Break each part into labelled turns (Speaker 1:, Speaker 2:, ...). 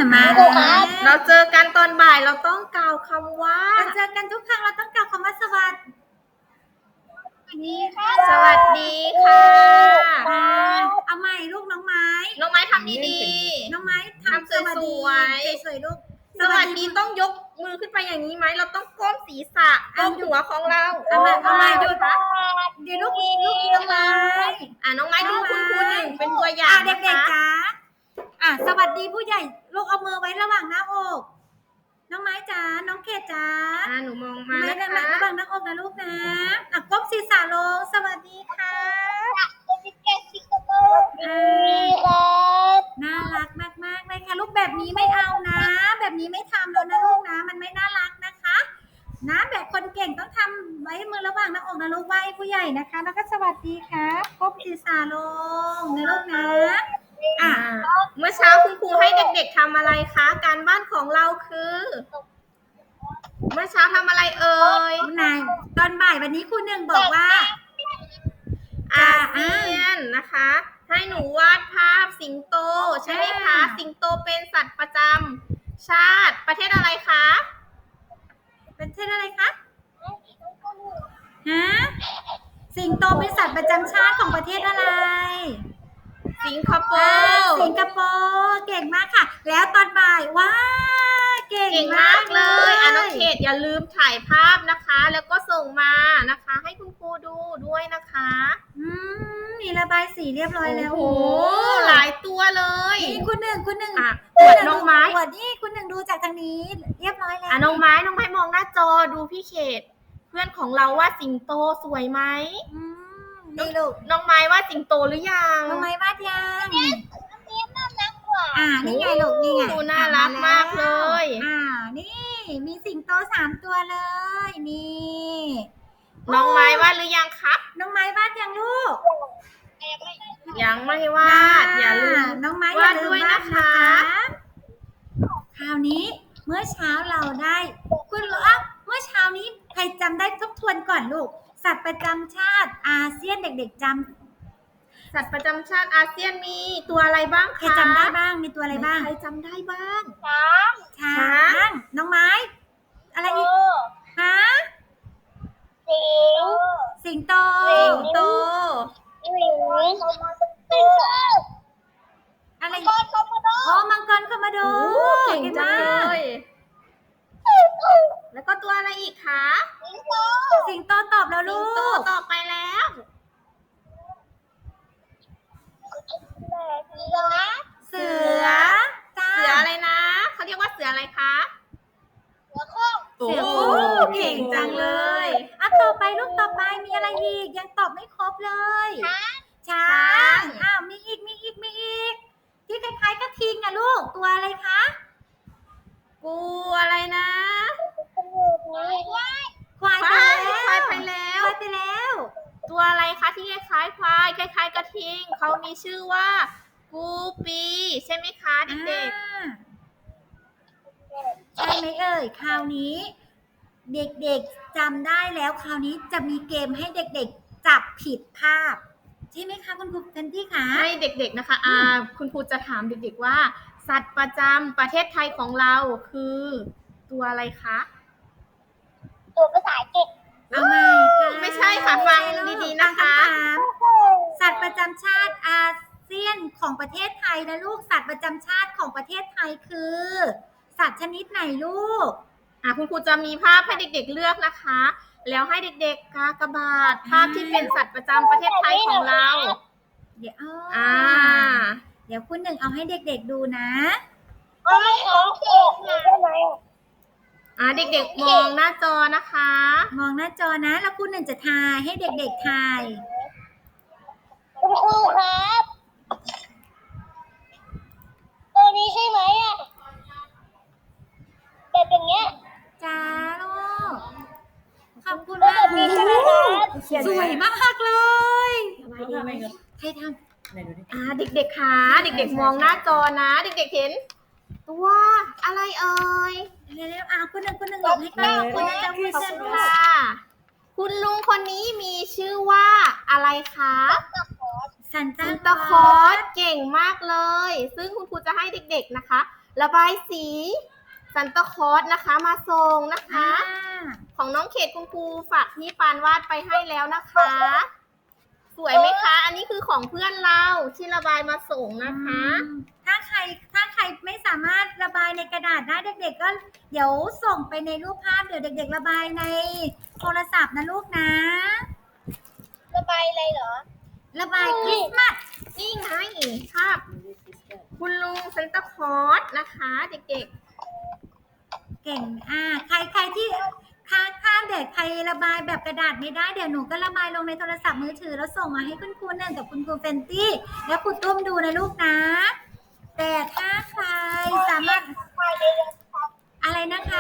Speaker 1: มาแล้วเราเจอกันตอนบ่ายเราต้องกล่าวคำว่า
Speaker 2: เราเจอกันทุกครั้งเราต้องกล่าวคำว่าสวัสดีค่ะ
Speaker 1: สวัสดีค่ะ
Speaker 2: เอาใหม่ลูกน้องไม้
Speaker 1: ทำดี
Speaker 2: ๆน้องไม้ทำสวัสดีสวยๆลูก
Speaker 1: สวัสดีต้องยกมือขึ้นไปอย่างนี้ไหมเราต้องก้มศีรษะก้มหัวของเรา
Speaker 2: เอาใหม่ดูค่ะเดี๋ยวลูกน้องไม้
Speaker 1: น้องไม้ดูคุณครูหนึ่งเป็นตัวอย่าง
Speaker 2: เด็กๆจ๋าสวัสดีผู้ใหญ่ลูกเอามือไว้ระหว่างหน้าอกน้องไม้จ๋าน้องเขตจ๋า
Speaker 1: หนูมองมา
Speaker 2: นะคะระหว่างหน้าอกนะลูกนะก้มศีรษะลงสวัสดีค่ะน่ารักมากๆเลยค่ะลูกแบบนี้ไม่เอานะแบบนี้ไม่ทำแล้วนะลูกนะมันไม่น่ารักนะคะนะแบบคนเก่งต้องทำไว้มือระหว่างหน้าอกนะลูกไหว้ผู้ใหญ่นะคะแล้วก็สวัสดีครับก้มศีรษะลงนะลูกนะ
Speaker 1: เมื่อเช้าคุณครูให้เด็กๆทำอะไรคะการบ้านของเราคือเมื่อเช้าทำอะไรเอ่ย
Speaker 2: นายตอนบ่ายวันนี้ครูหนึ่งบอกว่า
Speaker 1: อาเซียนนะคะให้หนูวาดภาพสิงโตใช่ไหมคะสิงโตเป็นสัตว์ประจำชาติประเทศอะไรคะ
Speaker 2: ประเทศอะไรคะฮะสิงโตเป็นสัตว์ประจำชาติของประเทศอะไร
Speaker 1: สิงคโปร์
Speaker 2: เก่งมากค่ะแล้วตอนบ่ายว้าเก่งมากเลย
Speaker 1: น้องเขตอย่าลืมถ่ายภาพนะคะแล้วก็ส่งมานะคะให้คุณครูดูด้วยนะคะ
Speaker 2: มีระบายสีเรียบร้อยแล้ว
Speaker 1: โอ้หลายตัวเลย
Speaker 2: นี่คุณหนึ่ง
Speaker 1: อวดน้องไม้
Speaker 2: อวดนี่คุณหนึ่งดูจากทางนี้เรียบร้อยแล้ว
Speaker 1: น้องไม้มองหน้าจอดูพี่เขตเพื่อนของเราว่าสิงโตสวยไหม
Speaker 2: นี่ลูก
Speaker 1: น้องไม้ว่าสิงโตหรือยัง
Speaker 2: น้องไม้วาดยังน่ารักกว่านี่ไงลูกนี่ไง
Speaker 1: น่ารักมากเลย
Speaker 2: นี่มีสิงโต3ตัวเลยนี่
Speaker 1: น้องไม้วาดหรือยังครับ
Speaker 2: น้องไม้วาดยังลูก
Speaker 1: ยังไม่วาดอย่าลืม
Speaker 2: น้องไม้
Speaker 1: วาดด้วยนะคะ
Speaker 2: คราวนี้เมื่อเช้าเราได้คุณเมื่อเช้านี้ใครจำได้ทบทวนก่อนลูกสัตว์ประจำชาติอาเซียนเด็กๆจำ
Speaker 1: สัตว์ประจำชาติอาเซียนมีตัวอะไรบ้างคะ
Speaker 2: ใครจำได้บ้างมีตัวอะไรบ้าง
Speaker 1: ใครจำได้บ้าง
Speaker 2: ช้างน้องไม้อะไรอีกฮะสิงโตอะไรมังกรคอมโด
Speaker 1: เก่งจังเลยแล้วก็ตัวอะไรอีกคะ
Speaker 2: สิงโตตอบแล้วลูก
Speaker 1: สิงโตตอบไปแล้ว
Speaker 2: เสือ
Speaker 1: อะไรนะเขาเรียกว่าเสืออะไรคะ
Speaker 2: เสือโค้เก่งจังเลยต่อไปลูกต่อไปมีอะไรอีกยังตอบไม่ครบเลยช้างมีอีกที่คล้ายๆกระทิงลูกตัวอะไรคะ
Speaker 1: กูอะไรนะ
Speaker 2: ควาย
Speaker 1: ไปแล้วตัวอะไรคะที่คล้ายควายคล้ายกระทิงเขามีชื่อว่ากูปีใช่ไหมคะเด็ก
Speaker 2: ๆใช่ไหมเอ่ยคราวนี้เด็กๆจำได้แล้วคราวนี้จะมีเกมให้เด็กๆจับผิดภาพใช่ไหมคะคุณครูทันที่คะ
Speaker 1: ให้เด็กๆนะคะคุณครูจะถามเด็กๆว่าสัตว์ประจำประเทศไทยของเราคือตัวอะไรคะ
Speaker 3: ตัวภาษาอังกฤษ
Speaker 1: ไม่ใช่ค่ะฟังดีๆนะคะ
Speaker 2: สัตว์ประจำชาติอาเซียนของประเทศไทยนะลูกสัตว์ประจำชาติของประเทศไทยคือสัตว์ชนิดไหนลูก
Speaker 1: คุณครูจะมีภาพให้เด็กๆเลือกนะคะแล้วให้เด็กๆกากบาทภาพที่เป็นสัตว์ประจำประเทศไทยของเรา
Speaker 2: เดี๋ยวคุณหนึ่งเอาให้เด็กๆดูนะ
Speaker 1: เด็กๆมองหน้าจอนะคะ
Speaker 2: มองหน้าจอนะแล้วคุณหนึ่งจะทายให้เด็กๆทาย
Speaker 3: คุณครูครับตัวนี้ใช่ไหมแบบอย่างเงี้ย
Speaker 2: จ้าลูกขอบคุณมากสวยมากเลยใครทำ
Speaker 1: เด็กๆค่ะเด็กๆมองหน้าจอนะเด็กๆเห็นตัวอะไรเอ่ย
Speaker 2: เร็วๆคุณหนึ่งหลบให้กล้องคุณจะจำไม่ได้
Speaker 1: ค่ะคุณลุงคนนี้มีชื่อว่าอะไรคะ
Speaker 2: ซัน
Speaker 1: ตาคลอสเก่งมากเลยซึ่งคุณครูจะให้เด็กๆนะคะระบายสีซันตาคลอสนะคะมาส่งนะคะ ของน้องเขตคุณครูฝากพี่ปานวาดไปให้แล้วนะคะ สวยไหมคะ อันนี้คือของเพื่อนเราที่ระบายมาส่งนะคะ
Speaker 2: ถ้าใครไม่สามารถระบายในกระดาษได้เด็กๆก็เดี๋ยวส่งไปในรูปภาพเดี๋ยวเด็กๆระบายในโทรศัพท์นะลูกนะ
Speaker 3: ระบายอะไรเหรอ
Speaker 2: ระบายคริสต์มาส
Speaker 1: นี่ไงภาพคุณลุงซันตาคลอสนะคะเด็ก
Speaker 2: เก่งใครที่ถ้าเด็กใครระบายแบบกระดาษไม่ได้เดี๋ยวหนูก็ระบายลงในโทรศัพท์มือถือแล้วส่งมาให้คุณครูหนึ่งกับคุณครูเฟนตี้แล้วครูตุ้มดูนะลูกนะ แต่ถ้าใครสามารถอะไรนะคะ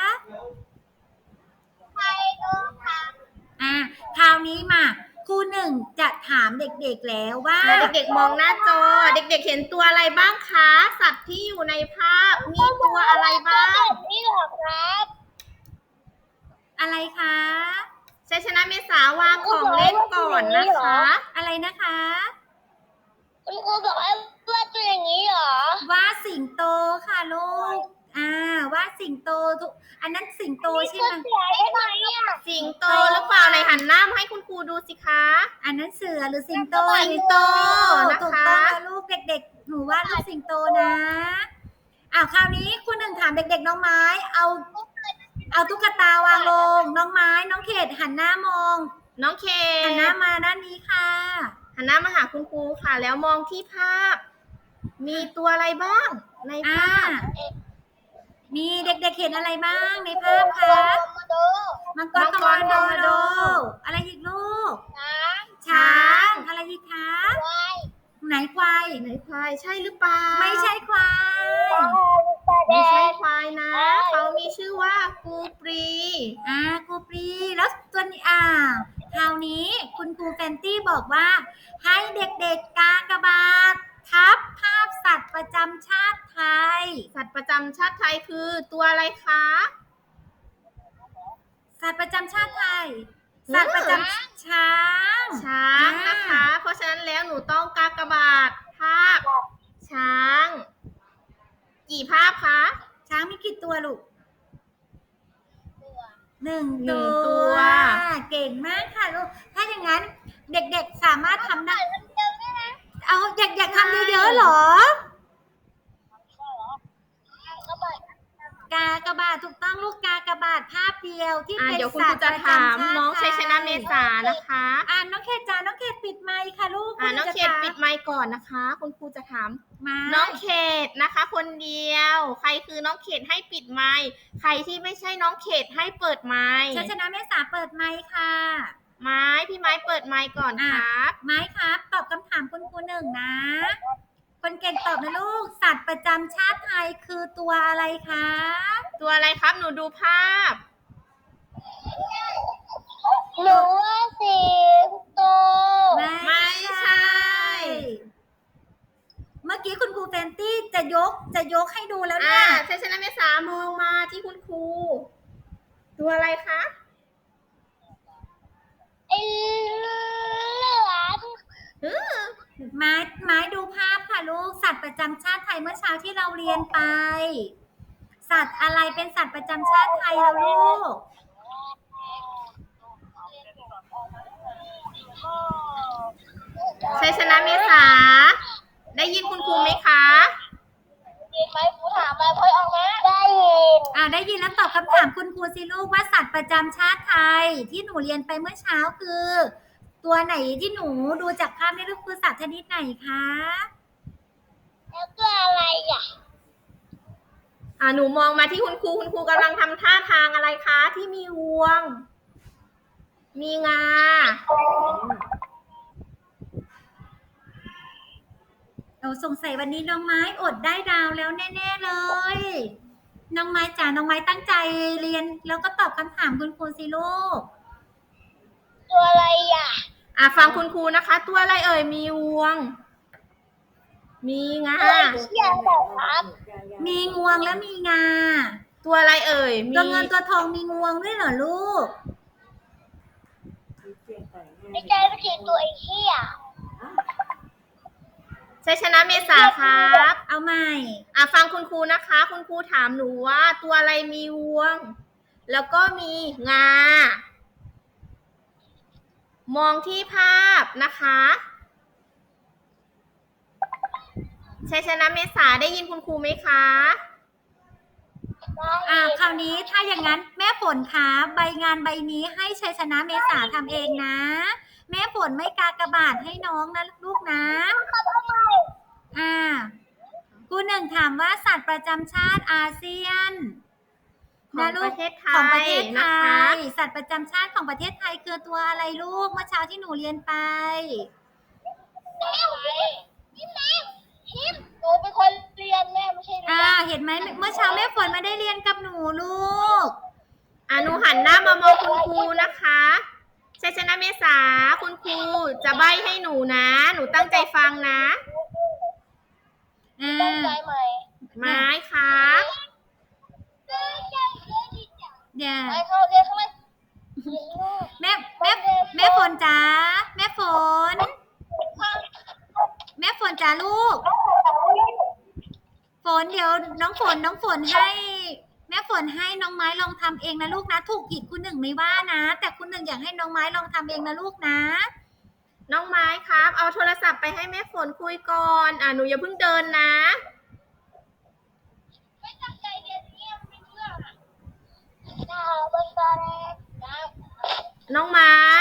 Speaker 3: ใครดูค่ะ
Speaker 2: คราวนี้มาครูหนึ่งจะถามเด็กๆแล้วว่า
Speaker 1: ๆแล้วเด็กๆมองหน้าจอ เด็กๆเห็นตัวอะไรบ้างคะ สัตว์ที่อยู่ในภาพมีตัวอะไรบ้าง
Speaker 3: แบบนี้เหรอครับ
Speaker 2: อะไรคะ
Speaker 1: ชัยชนะเมษาวางของเล่นก่อนนะคะ
Speaker 2: อะไรนะคะ
Speaker 3: คุณครูบอกว่าตัวอย่างนี้เหรอ
Speaker 2: ว่าสิงโตค่ะลูกว่าสิงโตทุกอันนั้นสิงโตใช่ไหม
Speaker 3: เสือได้ไหมอ่ะ
Speaker 1: สิงโตหรือเปล่าไหนหันหน้ามาให้คุณครูดูสิคะ
Speaker 2: อันนั้นเสือหรือสิงโต
Speaker 1: สิงโตนะคะ
Speaker 2: ถูกต้องนะลูกเด็กๆหนูว่าลูกสิงโตนะคราวนี้คุณหนึ่งถามเด็กๆน้องไม้เอาตุ๊กตาวางลงน้องไม้น้องเขตหันหน้ามอง
Speaker 1: น้องเค
Speaker 2: หันหน้ามาด้านนี้ค่ะ
Speaker 1: หันหน้ามาหาคุณครูค่ะ แล้วมองที่ภาพ มีตัวอะไรบ้างในภาพ
Speaker 2: มีเด็กๆเห็นอะไรบ้างในภาพคะ
Speaker 3: มาดู
Speaker 2: มังกร
Speaker 1: มังกร
Speaker 2: โด
Speaker 1: โด
Speaker 2: อะไรอีกลูก
Speaker 3: ช้าง
Speaker 2: ช้างอะไรอีกคะ
Speaker 3: ควาย
Speaker 2: ไหนควาย
Speaker 1: ไหนควายใช่หรือเปล่า
Speaker 2: ไม่ใช่ควาย
Speaker 1: ไม่ใช่ควายนะ เขามีชื่อว่ากูปรี
Speaker 2: ครูปรีแล้วตัวนี้คราวนี้คุณครูแฟนตี้บอกว่า ให้เด็กๆกากบาททับภาพสัตว์ประจำชาติไทย
Speaker 1: สัตว์ประจำชาติไทยคือตัวอะไรคะ
Speaker 2: สัตว์ประจำชาติไทย สัตว์ประจำช้าง
Speaker 1: ช้างนะคะ เพราะฉะนั้นแล้วหนูต้องกากบาทภาพ ช้าง กี่ภาพคะ
Speaker 2: ช้างมีกี่ตัวลูกหนึ่ง
Speaker 1: หนึ่
Speaker 2: ตั
Speaker 1: งตัว
Speaker 2: ว เก่งมากค่ะลูก ถ้าอย่างนั้นเด็กๆสามารถทำได้ เอาเด็กๆทำเยอะๆเหรอ กากบาทถูกต้องลูกกากบาทภาพเดียวที่เป็น
Speaker 1: เดี๋ยวคุณค
Speaker 2: สั
Speaker 1: รู
Speaker 2: ตว์
Speaker 1: จะ
Speaker 2: ประ
Speaker 1: ถาม
Speaker 2: จำชาติ
Speaker 1: น้อง
Speaker 2: ไท
Speaker 1: ชัยชนะเมษานะคะ
Speaker 2: น้องเขตจ้าน้องเขตปิดไมค์ค่ะลูก
Speaker 1: น้อง
Speaker 2: จะ
Speaker 1: เขต
Speaker 2: ถาม
Speaker 1: ปิดไมค์ก่อนนะคะ คุณครูจะถาม
Speaker 2: มา
Speaker 1: น้องเขตนะคะ คนเดียว ใครคือน้องเขตให้ปิดไมค์ใครที่ไม่ใช่น้องเขตให้เปิดไมค์
Speaker 2: ชัยชนะเมษาเปิดไมค์ค่ะ
Speaker 1: ไม้พี่ไม้เปิดไมค์ก่อนครับ
Speaker 2: ไม้ครับตอบคำถามคุณครูหนึ่งนะ คนเก่งตอบนะลูก สัตว์ประจำชาติไทยคือตัวอะไรคะ
Speaker 1: ตัวอะไรครับหนูดูภาพ
Speaker 3: หนูว่าสิงโต
Speaker 1: ไม่ใช่
Speaker 2: เมื่อกี้คุณครูแฟนตี้จะยกให้ดูแล้วเนี่ย
Speaker 1: ชัยชนะเมษามองมาที่คุณครู ตัวอะไรคะ
Speaker 3: ไอ้เหลือม
Speaker 2: ไม้ดูภาพค่ะลูก สัตว์ประจำชาติไทยเมื่อเช้าที่เราเรียนไป สัตว์อะไรเป็นสัตว์ประจำชาติไทยแล้วลูก
Speaker 1: ชัยชนะเมษา ได้ยินคุณครูไหมคะ
Speaker 3: ยินไหมครูถามมาค่อยออกมาได้ยิน
Speaker 2: ได้ยินแล้วตอบคำถามคุณครูสิลูกว่าสัตว์ประจำชาติไทย ที่หนูเรียนไปเมื่อเช้าคือ ตัวไหนที่หนูดูจากภาพนี่ลูกคือสัตว์ชนิดไหนคะ
Speaker 3: แล้วก็อะไรอ่ะ
Speaker 1: หนูมองมาที่คุณครู คุณครูกำลังทำท่าทางอะไรคะ ที่มีงวง มีงา
Speaker 2: สงสัยวันนี้น้องไม้อดได้ดาวแล้วแน่ๆเลย น้องไม้จ๋าน้องไม้ตั้งใจเรียนแล้วก็ตอบคำถามคุณครูสิลูก
Speaker 3: ตัวอะไรอ่ะ
Speaker 1: ฟังคุณครูนะคะ ตัวอะไรเอ่ย มีงวง มีงา
Speaker 3: เชี่ยแบบครับ
Speaker 2: มีงวงและมีงา
Speaker 1: ตัวอะไรเอ่ย มี
Speaker 2: ตัวเงินตัวทองมีงวงด้วยเหรอลูก
Speaker 3: ไม่ใช่ไม่ใช่ตัวไอ้เชี่ย
Speaker 1: ชัยชนะเมษาครับ
Speaker 2: เอาใหม่
Speaker 1: ฟังคุณครูนะคะ คุณครูถามหนูว่าตัวอะไรมีงวง แล้วก็มีงา มองที่ภาพนะคะชัยชนะเมษาได้ยินคุณครูไหมคะ
Speaker 2: คราวนี้ถ้าอย่างนั้นแม่ฝนคะใบงานใบนี้ให้ชัยชนะเมษาทำเองนะ แม่ฝนไม่กากบาทให้น้องนะลูกนะครูหนึ่งถามว่าสัตว์ประจำชาติอาเซียน
Speaker 1: ของประเทศไท
Speaker 2: ของประเท
Speaker 1: ย
Speaker 2: ศไท
Speaker 1: นะคะ
Speaker 2: ยสัตว์ประจำชาติของประเทศไทยคือตัวอะไรลูกเมื่อเช้าที่หนูเรียนไป
Speaker 3: หนูเป็นคนเรียนแม่ไม่ใช่เรียน
Speaker 2: เห็นไหมเมื่อเช้าแม่ฝนไม่ได้เรียนกับหนูลูก
Speaker 1: หนูหันหน้ามามองคุณครูนะคะชัยชนะเมษาคุณครูจะใบ้ให้หนูนะ หนูตั้งใจฟังนะ
Speaker 3: ตั้งใจไหม
Speaker 1: ไม้ครับ
Speaker 2: เดี๋ยว
Speaker 3: ไปเข้าเรียนข้างใน
Speaker 2: แม่ฝนจ๋าแม่ฝนจ๋าลูก ฝนเดี๋ยวน้องฝนให้แม่ฝนให้น้องไม้ลองทำเองนะลูกนะถูกผิดคุณหนึ่งไม่ว่านะแต่คุณหนึ่งอยากให้น้องไม้ลองทำเองนะลูกนะ
Speaker 1: น้องไม้ครับ เอาโทรศัพท์ไปให้แม่ฝนคุยก่อน หนูอย่าเพิ่งเดินนะ
Speaker 3: ไม่ตั้งใจเรียนเนี่ยไม่เชื่อนะบนตาแดงนะ
Speaker 1: น้องไม้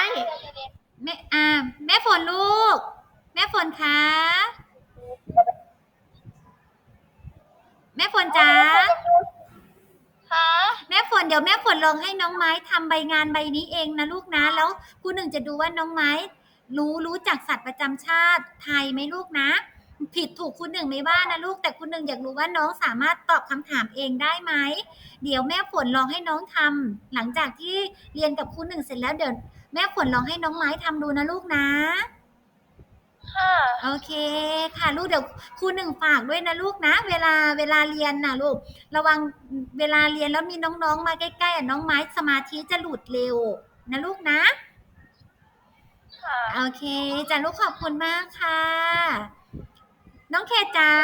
Speaker 2: แม่ฝนลูกแม่ฝนคะแม่ฝนจ๋า
Speaker 3: ค่ะ
Speaker 2: แม่ฝนเดี๋ยวแม่ฝนลองให้น้องไม้ทำใบงานใบนี้เองนะลูกนะแล้วคุณหนึ่งจะดูว่าน้องไม้รู้จักสัตว์ประจำชาติไทยไหมลูกนะผิดถูกคุณหนึ่งไม่ว่านะลูกแต่คุณหนึ่งอยากรู้ว่าน้องสามารถตอบคำถามเองได้ไหมเดี๋ยวแม่ฝนลองให้น้องทำหลังจากที่เรียนกับคุณหนึ่งเสร็จแล้วเดี๋ยวแม่ฝนลองให้น้องไม้ทำดูนะลูกนะ
Speaker 3: ค่ะ
Speaker 2: โอเคค่ะลูกเดี๋ยวครูหนึ่งฝากด้วยนะลูกนะเวลาเรียนนะลูกระวังเวลาเรียนแล้วมีน้องๆมาใกล้ๆน้องไม้สมาธิจะหลุดเร็วนะลูกนะ
Speaker 3: ค่ะ
Speaker 2: โอเคจ้ะลูกขอบคุณมากค่ะน้องเขตจ๋า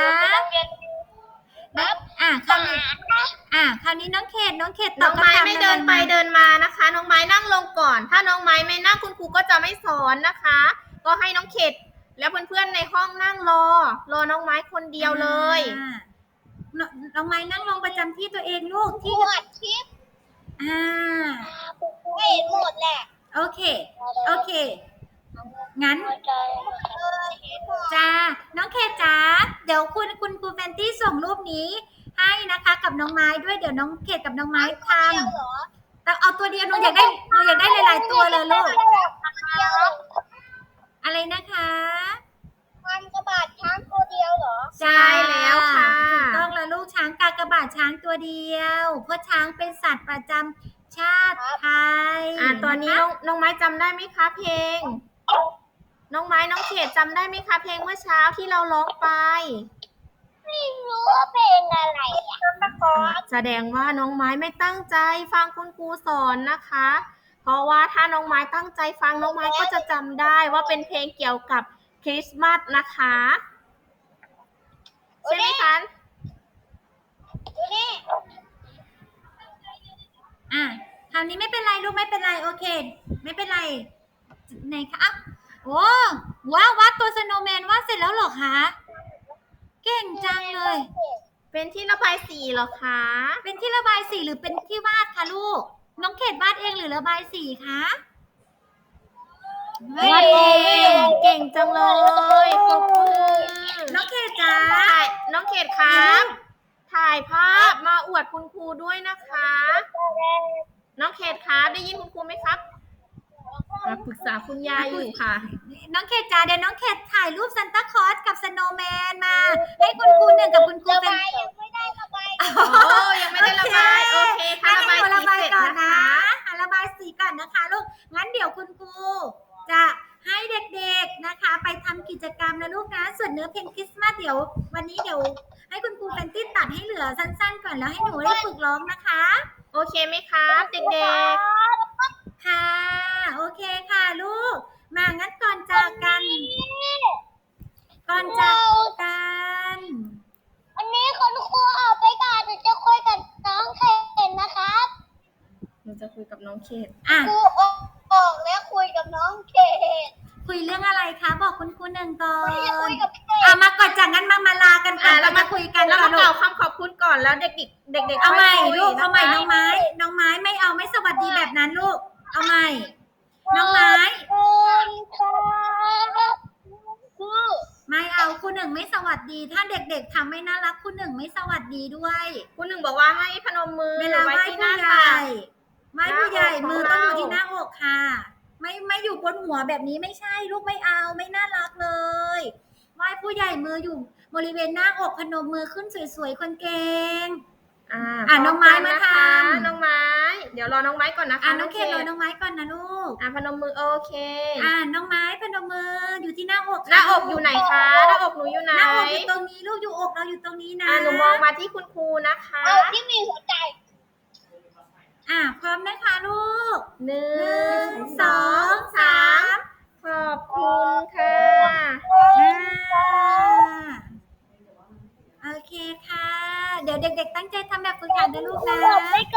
Speaker 2: คราวนี้น้องเขตต
Speaker 1: น้
Speaker 2: อ
Speaker 1: อบ ง
Speaker 2: คำ
Speaker 1: ไม้
Speaker 2: ถาม
Speaker 1: ไม่เดินไปเดินมานะคะ น้องไม้นั่งลงก่อน ถ้าน้องไม้ไม่นั่งคุณครูก็จะไม่สอนนะคะ ก็ให้น้องเขตแล้วเพื่อนๆในห้องนั่งรอน้องไม้คนเดียวเลย
Speaker 2: น้องไม้นั่งลงประจำที่ตัวเองลูกที่
Speaker 3: หมดคลิปไม่เห็นหมดแหละ
Speaker 2: โอเคงั้น
Speaker 3: ใจ
Speaker 2: จ้าน้องเคจ๋าเดี๋ยวคุณครูแฟนตี้ส่งรูปนี้ให้นะคะกับน้องไม้ด้วยเดี๋ยวน้องเคกับน้องไม้ทำแต่เอาตัวเดียวหนูอยากได้หลายๆตัวเลยลูกอะไรนะคะ
Speaker 3: มันกระบาดช้างตัวเดียวเหรอ
Speaker 1: ใช่แล้วค่ะ
Speaker 2: ถูกต้องแล้วลูกช้างกากบาทช้างตัวเดียวเพราะช้างเป็นสัตว์ประจำชาติไทย
Speaker 1: ตอนนี้น้องไม้จำได้ไหมคะเพลง น้องไม้น้องเขตจำได้ไหมคะเพลงเมื่อเช้าที่เราร้องไป
Speaker 3: ไม่รู้ว่าเพลงอะไรอ่ะตะกอน
Speaker 1: แสดงว่าน้องไม้ไม่ตั้งใจฟังคุณครูสอนนะคะ เพราะว่าถ้าน้องไม้ตั้งใจฟังน้องไม้ก็จะจำได้ว่าเป็นเพลงเกี่ยวกับคริสต์มาสนะคะใช่ไหมคะ
Speaker 3: ดูนี่
Speaker 2: คราวนี้ไม่เป็นไรลูกไม่เป็นไรโอเคไม่เป็นไรไหนคะโอ้ว้าววาดตัวสโนว์แมนวาดเสร็จแล้วเหรอคะเก่งจังเลย
Speaker 1: เป็นที่ระบายสีเหรอคะ
Speaker 2: เป็นที่ระบายสีหรือเป็นที่วาดคะลูกน้องเขตวาดเองหรือระบายสีคะ
Speaker 1: วาดเองเก่งจังเลยขอบคุณ
Speaker 2: น้องเขตจ๋า
Speaker 1: น้องเขตครับถ่ายภาพมาอวดคุณครูด้วยนะคะ น้องเขตครับได้ยินคุณครูไหมครับปรึกษาคุณยายอยู่ค่ะ
Speaker 2: น้องเขตจ๋าเดี๋ยวน้องเขตถ่ายรูปซันตาคลอสกับสโนว์แมนมาให้คุณครูหนึ่งกับคุณครู
Speaker 3: ระ
Speaker 2: เป็น
Speaker 3: บายยังไม่ได้ระบาย
Speaker 1: ยังไม่ได้ระบาย โอเคค่ะ
Speaker 2: งั้น
Speaker 1: ระบาย
Speaker 2: เดี๋ยว
Speaker 1: สี
Speaker 2: ระบาย
Speaker 1: เสร็จ
Speaker 2: ก่อน
Speaker 1: นะคะ
Speaker 2: ระบายสีก่อนนะคะลูกงั้นเดี๋ยวคุณครูจะให้เด็กๆนะคะ ไปทำกิจกรรมนะลูกนะส่วนเนื้อเพลงคริสต์มาสเดี๋ยววันนี้เดี๋ยวให้คุณครูแฟนตี้ตัดให้เหลือสั้นๆก่อนแล้วให้หนูได้ฝึกร้องนะคะ
Speaker 1: โอเคไหมครับเด็ก
Speaker 2: ค่ะโอเคค่ะลูกมางั้นก่อนจากกันก่อนจากกัน
Speaker 3: วันนี้คุณครูออกไปก่อนหนูจะคุยกับน้องเคนนะครับ
Speaker 1: หนูจะคุยกับน้องเขต
Speaker 2: อ่ะ
Speaker 3: ครูออกแล้วคุยกับน้องเคน
Speaker 2: คุยเรื่องอะไรคะบอกคุณครูหนึ่งก่อ
Speaker 3: วันนี้จะคุ
Speaker 2: น
Speaker 3: ยกับเคน
Speaker 2: มาก่อนจากงั้นมาลากันก่อน
Speaker 1: แล้ว
Speaker 2: เรามาคุยกัน
Speaker 1: แล้ว
Speaker 2: ก่อ
Speaker 1: มาน
Speaker 2: ลู
Speaker 1: กล่าก วคำขอบคุณก่อนแล้วเด็กๆเด็กๆ
Speaker 2: เอาใหม่
Speaker 1: ค่ยคุย
Speaker 2: ลูกเอาใหม่
Speaker 1: นะคะ
Speaker 2: น้องไม้ไม่เอาไม่สวัสดีแบบนั้นลูกเอาใหม่ น้องไม้
Speaker 3: คุณครับคือ
Speaker 2: ไม่เอาครูหนึ่งไม่สวัสดี ถ้าเด็กๆทำไม่น่ารักครูหนึ่งไม่สวัสดีด้วย
Speaker 1: คุณหนึ่งบอกว่าให้พนมมือ
Speaker 2: เวลาไหว้
Speaker 1: ที่ห
Speaker 2: ผู้
Speaker 1: น้า
Speaker 2: ให
Speaker 1: ตั
Speaker 2: ญ่
Speaker 1: ก
Speaker 2: ไหว้ผู้ใหญ่
Speaker 1: หน้าอก
Speaker 2: มือต้องอยู่
Speaker 1: ของเรา
Speaker 2: ที่หน้าอกค่ะ ไม่อยู่บนหัวแบบนี้ไม่ใช่ลูกไม่เอาไม่น่ารักเลยไหว้ผู้ใหญ่มืออยู่บริเวณหน้าอกพนมมือขึ้นสวยๆคนเก่ง น้องไม้มาทำ
Speaker 1: น้องไม้ เดี๋ยวรอน้องไม้ก่อนนะคะ
Speaker 2: น้องเคนรอน้องไม้ก่อนนะลูก
Speaker 1: พนมมือโอเค
Speaker 2: น้องไม้พนมมืออยู่ที่หน้าอก
Speaker 1: หน้าอกอยู่ไหนคะหน้าอกหนูอยู่ไหน
Speaker 2: หน้าอกอยู่ตรงนี้ลูกอยู่อกเราอยู่ตรงนี้นะ
Speaker 1: หนูมองมาที่คุณครูนะคะ
Speaker 3: เอาที่มีหัวใจ
Speaker 2: พร้อมนะคะลูก
Speaker 1: หนึ่
Speaker 2: 1 2 3
Speaker 1: ขอบคุณค่ะ
Speaker 2: โอเคค่ะ เดี๋ยวเด็กๆตั้งใจทำแบบฝึกหัดนะลูกนะ
Speaker 3: บอกไม่